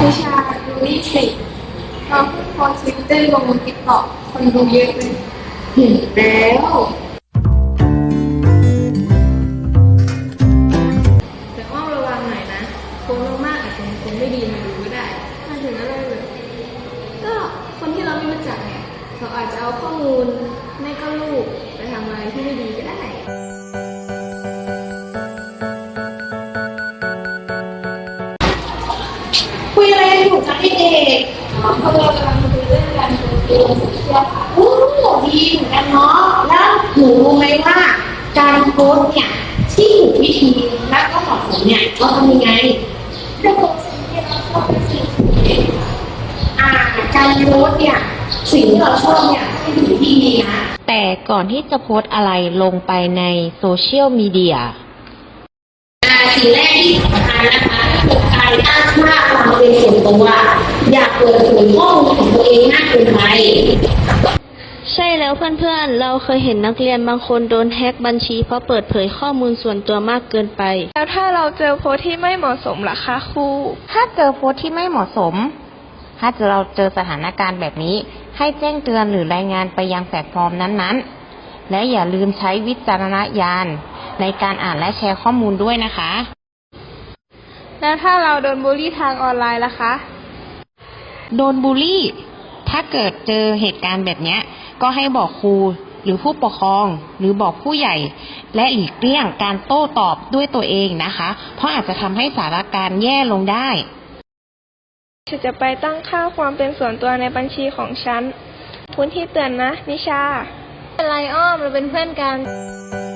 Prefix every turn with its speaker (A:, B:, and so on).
A: นิชาดูนี่สิเราเพิ่งโพสต์คลิปเต้นลงติ๊กต็อกคนดูเยอะเลยเห็นแล้วแต่อ้อมระวังหน่อยนะโพสต์มากๆอาจจะมีคนไม่ดีมาดูก็ได้มาถึงอะไรเลยก็คนที่เราไม่รู้จักเนี่ยเขาอาจจะเอาข้อมูลไม่ก็รูปไปทำอะไรที่ไม่ดีก็ได้คุยอะไรกันอยู่จ๊ะเด็กๆเรากำลังคุยเรื่องการโพสต์ลงโซเชียลค่ะโอ้ดีเหมือนกันเนาะแล้วหนูรู้ไหมว่าการโพสต์เนี่ยที่ถูกวิธีและก็เหมาะสมเนี่ยเราทำยังไงเรื่องโพสต์ที่เราชอบเป็นสิ่งที่การโพสต์เนี่ยสิ่งที่เราชอบเนี่ยเป็นสิ่งที่ดีนะ
B: แต่ก่อนที่จะโพสต์อะไรลงไปในโซเชียลมีเดีย
A: สิ่งแรกที่สำคัญนะคะก็คือการตั้งค่าความเป็นส่วนตัวอย่าเปิดเผยข้อมูลของตัวเองมากเกินไป
C: ใช่แล้วเพื่อนๆเราเคยเห็นนักเรียนบางคนโดนแฮ็กบัญชีเพราะเปิดเผยข้อมูลส่วนตัวมากเกินไป
D: แล้วถ้าเราเจอโพสต์ที่ไม่เหมาะสมล่ะคะครู
B: ถ้าเจอโพสต์ที่ไม่เหมาะสมถ้าเราเจอสถานการณ์แบบนี้ให้แจ้งเตือนหรือรายงานไปยังแพลตฟอร์มนั้นๆและอย่าลืมใช้วิจารณญาณในการอ่านและแชร์ข้อมูลด้วยนะคะ
D: แล้วถ้าเราโดนบูลลี่ทางออนไลน์ล่ะคะ
B: โดนบูลลี่ถ้าเกิดเจอเหตุการณ์แบบนี้ก็ให้บอกครูหรือผู้ปกครองหรือบอกผู้ใหญ่และหลีกเลี่ยงการโต้ตอบด้วยตัวเองนะคะเพราะอาจจะทำให้สถานการณ์แย่ลงได้
D: ฉันจะไปตั้งค่าความเป็นส่วนตัวในบัญชีของฉันพื้นที่เตือนนะนิชา
C: เป็นไรอ้อมเราเป็นเพื่อนกัน